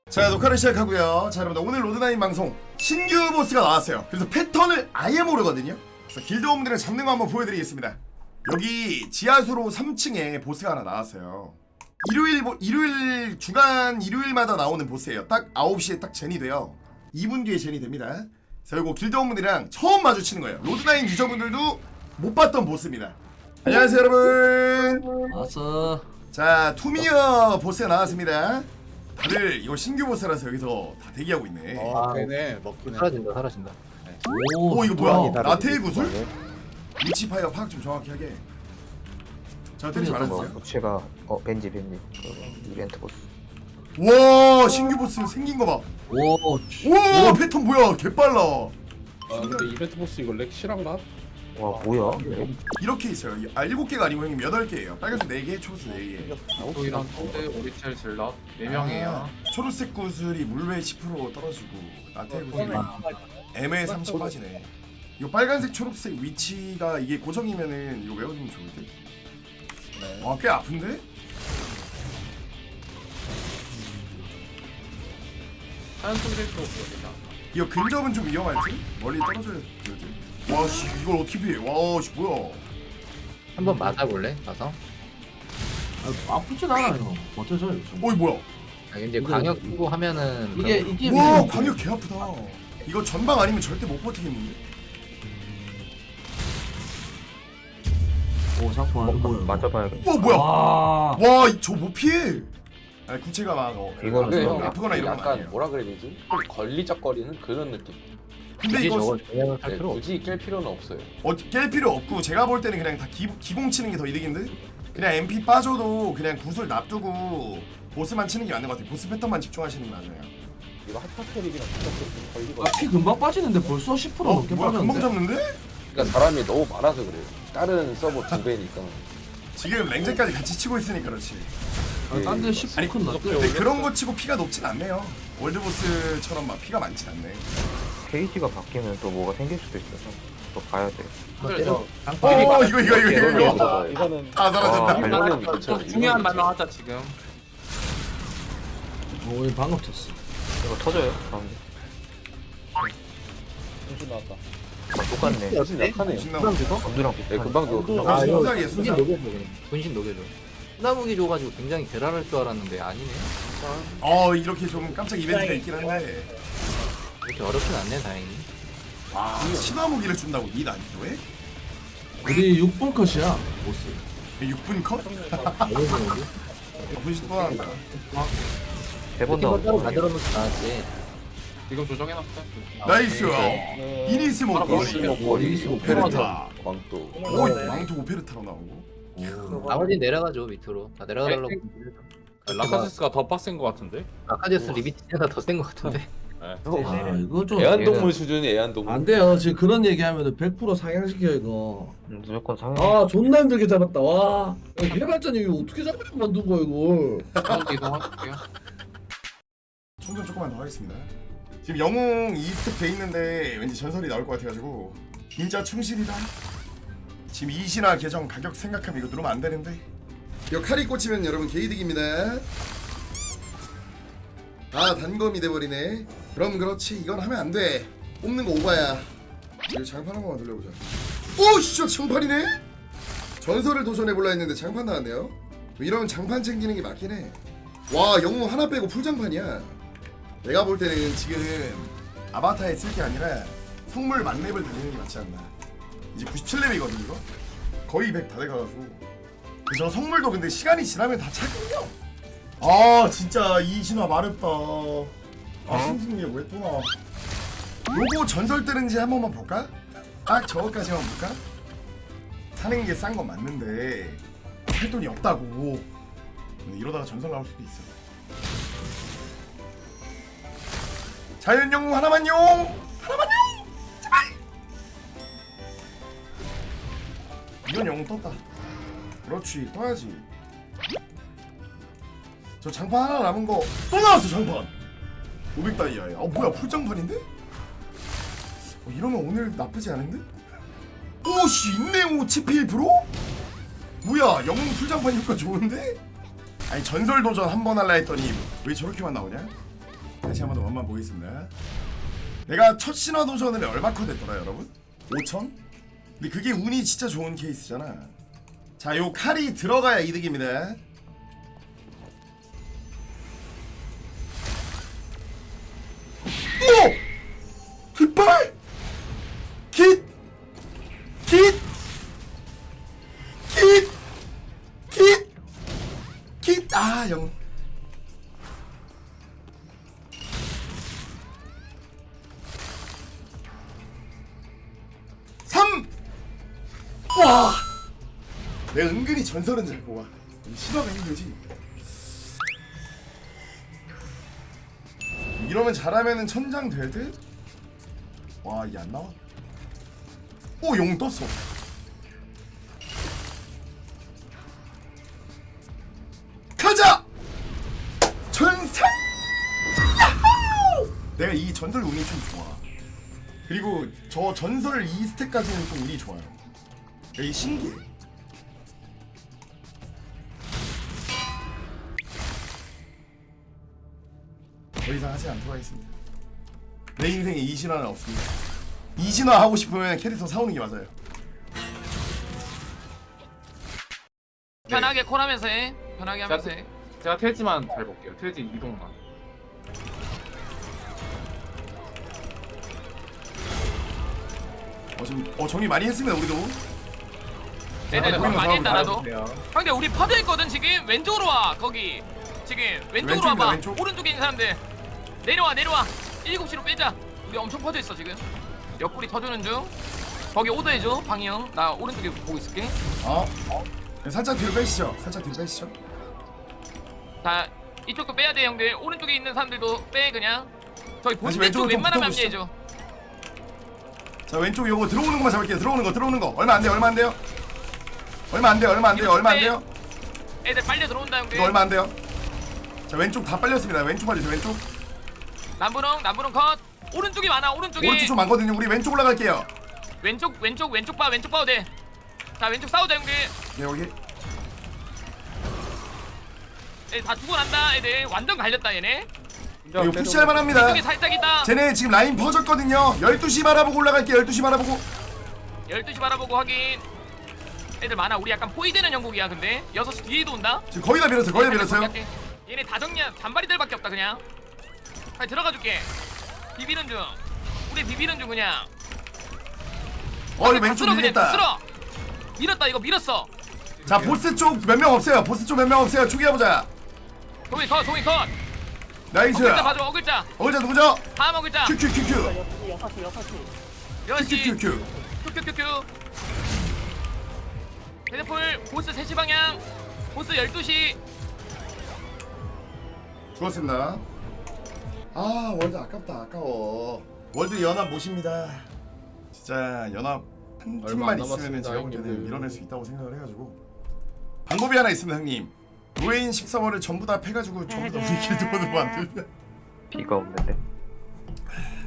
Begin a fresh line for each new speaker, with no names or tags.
자, 녹화를 시작하고요. 자, 여러분들 오늘 로드나인 방송 신규 보스가 나왔어요. 그래서 패턴을 아예 모르거든요. 그래서 길드원분들을 잡는 거 한번 보여드리겠습니다. 여기 지하수로 3층에 보스가 하나 나왔어요. 일요일 주간 일요일마다 나오는 보스예요. 딱 9시에 딱 젠이 돼요. 2분 뒤에 젠이 됩니다. 그래서 이거 길드원분들이랑 처음 마주치는 거예요. 로드나인 유저분들도 못 봤던 보스입니다. 안녕하세요, 여러분.
왔어.
자, 투미어 보스가 나왔습니다. 다들 이거 신규 보스라서 여기서 다 대기하고 있네.
되네. 먹히네.
사라진다.
오, 이거 뭐야?
좋아.
라테의 구슬? 위치 파이어 파악 좀 정확히 하게. 자, 때리지 말아주세요.
부채가 벤지 그 이벤트 보스.
와, 신규 보스 생긴 거 봐.
오,
와, 패턴 뭐야? 개빨라.
아 근데 이벤트 보스 이거 렉 실한가?
와 뭐야?
이렇게 있어요. 7개가 아니고 형님 8개예요. 빨간색 4개, 초록색 4개.
저희랑 콘데 오리첼 질럿 4명이에요.
초록색 구슬이 물회 10% 떨어지고 라테의 구슬이 M에 30 빠지네. 이거 빨간색 초록색 위치가 이게 고정이면은 이거 외워두면 좋을 듯. 와, 꽤 아픈데?
하얀 손질도 없습니다.
이거 근접은 좀 위험할 듯? 멀리 떨어져야 될 듯? 와, 씨, 이걸 어떻게 피해? 와, 씨, 뭐야?
한번 맞아볼래? 가서.
아프진 않아요. 버텨줘요. 좀.
어이, 뭐야?
아, 이제 광역 끼고 하면은
이게
와, 광역 개 아프다. 이거 전방 아니면 절대 못 버티겠는데?
오 상품 뭐야?
맞아봐야겠다.
와, 뭐야?
와.
와, 저 못 피해. 아니, 구체가 막
이건
근데
좀
형
아프거나 이런 건
약간
아니에요.
뭐라 그래야 되지? 좀 걸리적거리는 그런 느낌.
근데
굳이
이거
저걸 영향을 할
네,
필요 없어.
굳이 깰 필요는 없어요.
깰 필요 없고 제가 볼 때는 그냥 다 기공 치는 게 더 이득인데? 그냥 MP 빠져도 그냥 구슬 놔두고 보스만 치는 게 맞는 것 같아요. 보스 패턴만 집중하시는 게 맞아요.
이거 핫타 캐릭이랑 핫타 캐릭 걸리고.
피 금방 빠지는데 벌써 10% 넘게
뭐야, 금방
빠졌는데?
잡는데?
그러니까 사람이 너무 많아서 그래요. 다른 서버 2배니까.
지금 랭제까지 같이 치고 있으니까 그렇지.
딴데 10% 큰 났대.
근데 그런 거 치고 피가 높진 않네요. 월드보스처럼 막 피가 많진 않네.
페이지가 바뀌면 또 뭐가 생길 수도 있어서 또 봐야 돼.
때려.
어, 이거.
이거는
다 사라진다.
이거는 괜찮아.
중요한 말만 하자 지금.
오, 얘 방금 쳤어.
이거 터져요? 가운데.
정신 나왔다.
똑같네.
정신 약하네.
신나고.
검두랑
네,
비슷한.
금방 죽어.
아,
이거
순삭이에요,
분신
순삭.
녹여줘. 그냥. 분신 녹여줘. 나무기 줘가지고 굉장히 괴랄할 줄 알았는데 아니네.
이렇게 좀 깜짝 이벤트가 있긴 한데.
이렇게 어렵진 않네 다행히.
와, 신화무기를 준다고 이 난이도에?
우리 6분 컷이야 보스.
6분 컷?
어려운
분신 또 나간다.
세번
이거 따로
나오고.
만들어 놓지 않았지.
지금 조정해놨어.
나이스. 이니스 먹고
머리
오페르타.
광도.
오, 망토 오페르타로 나오고.
나머지 내려가죠 밑으로. 다 내려가달라고.
라카세스가 더 빡센 것 같은데?
아카디우스 리비티가 더 센 것 같은데.
아 이거 좀.
애완동물 수준이 애완동물.
안 돼요. 지금 그런 얘기하면 100% 상향시켜 이거.
무조건 상해.
아 존나 힘들게 잡았다. 와. 해발전이 이거 어떻게 잡으려고 만든 거야 이걸.
가운데 이동할게요.
충전 조금만 더 하겠습니다. 지금 영웅 2스텝 돼 있는데 왠지 전설이 나올 것 같아가지고 진짜 충실이다. 지금 이신화 계정 가격 생각하면 이거 누르면 안 되는데. 이거 칼이 꽂히면 여러분 개이득입니다. 아, 단검이 돼버리네. 그럼 그렇지, 이건 하면 안 돼. 뽑는 거 오바야. 이거 장판 한 번만 돌려보자. 오, 씨, 장판이네. 전설을 도전해볼라 했는데 장판 나왔네요. 이러면 장판 챙기는 게 맞긴 해. 와, 영웅 하나 빼고 풀장판이야. 내가 볼 때는 지금 아바타에 쓸 게 아니라 성물 만렙을 달리는 게 맞지 않나. 이제 97렙이거든 이거. 거의 100 다 돼가지고. 저 성물도 근데 시간이 지나면 다 차거든요. 아, 진짜 이 신화 마렵다. 아, 신승리가 왜 또 나와? 요거 전설 뜨는지 한 번만 볼까? 딱 저거까지만 볼까? 사는 게 싼 건 맞는데 할 돈이 없다고. 근데 이러다가 전설 나올 수도 있어. 자연 영웅 하나만요. 제발. 이건 영웅 떴다. 그렇지, 떠야지. 저 장판 하나 남은 거 또 나왔어. 장판 500다이아야. 뭐야, 풀장판인데? 이러면 오늘 나쁘지 않은데? 오씨, 있네요. 치피 1%? 뭐야, 영웅 풀장판 효과 좋은데? 아니, 전설 도전 한 번 할라 했더니 왜 저렇게만 나오냐? 다시 한번 더 맛만 보겠습니다. 내가 첫 신화 도전을 얼마 컷 했더라 여러분? 5천? 근데 그게 운이 진짜 좋은 케이스잖아. 자, 요 칼이 들어가야 이득입니다. 오! 깃발! 깃! 깃! 깃! 깃! 깃! 아, 영. 와! 내가 은근히 전설은 잘 뽑아. 신화가 힘들지. 이러면 잘하면은 천장 될 듯? 와, 이게 안 나와? 오, 용 떴어. 가자! 전설! 야호! 내가 이 전설 운이 좀 좋아. 그리고 저 전설 2스택까지는 좀 운이 좋아요. 여기 신기해. 더 이상 하지 않도록 하겠습니다. 내 인생에 이신화는 없습니다. 이신화 하고 싶으면 캐릭터 사오는 게 맞아요.
편하게 콜하면서 해. 편하게 하면서 해.
제가 태지만 잘 볼게요. 태지 이동만.
지금 정리 많이 했습니다 우리도.
애들
우리는
돈 많이 했다 나도.
잘해주세요.
근데 우리 파도 있거든 지금. 왼쪽으로 와. 거기 지금 왼쪽으로
왼쪽입니다,
와봐.
왼쪽.
오른쪽에 있는 사람들 내려와. 7시로 빼자. 우리 엄청 퍼져 있어 지금. 옆구리 터주는 중. 거기 오더 해줘 방이 형. 나 오른쪽에 보고 있을게.
살짝 뒤로 빼시죠. 살짝 뒤로 빼시죠.
자 이쪽도 빼야 돼 형들. 오른쪽에 있는 사람들도 빼 그냥. 저기
다시
본대 쪽
왼쪽으로 좀
웬만하면
붙어보시죠.
합류해줘.
자, 왼쪽 요거 들어오는 것만 잡을게요. 들어오는 거. 얼마 안 돼요. 얼마 안 돼요.
애들 빨려 들어온다 형들.
이거 얼마 안 돼요. 자, 왼쪽 다 빨렸습니다. 왼쪽 빨리세요. 왼쪽.
남부릉 컷. 오른쪽이 많아. 오른쪽에
오른쪽 좀 많거든요. 우리 왼쪽 올라갈게요.
왼쪽 봐도 돼. 자 왼쪽 싸우자 형들.
네, 여기.
애들 다 죽어난다. 애들 완전 갈렸다 얘네.
이거 푸시할 만합니다.
이쪽에 살짝 있다.
쟤네 지금 라인 퍼졌거든요. 12시 바라보고 올라갈게요. 12시 바라보고.
12시 바라보고 확인. 애들 많아. 우리 약간 포위되는 영국이야. 근데 6시 뒤에도 온다.
지금 거의 다 밀었어요.
얘네 다 정리한 잔바리들밖에 없다 그냥. 빨리 들어가 줄게. 비비는 중. 우리 비비는 중 그냥.
이거 왼쪽
그냥
밀겠다.
쓸어. 밀었다. 이거 밀었어.
자, 보스 쪽 몇 명 없어요. 초기해보자.
동이 컷.
나이스.
어글자 봐줘. 어글자.
어글자 누구죠?
다음 어글자.
큐큐큐큐.
6시.
큐큐큐.
큐큐큐큐. 헤드풀 보스 3시 방향. 보스 12시.
죽었습니다. 아, 월드 아깝다. 아까워. 월드 연합 모십니다. 진짜 연합 한
얼마
팀만
안
있으면
남았습니다,
제가 볼 때는
형님들.
밀어낼 수 있다고 생각을 해가지고 방법이 하나 있습니다, 형님. 노예인 10서버를 전부 다 패가지고 전부 다 우리 길드원으로 만들면
비가 없는데.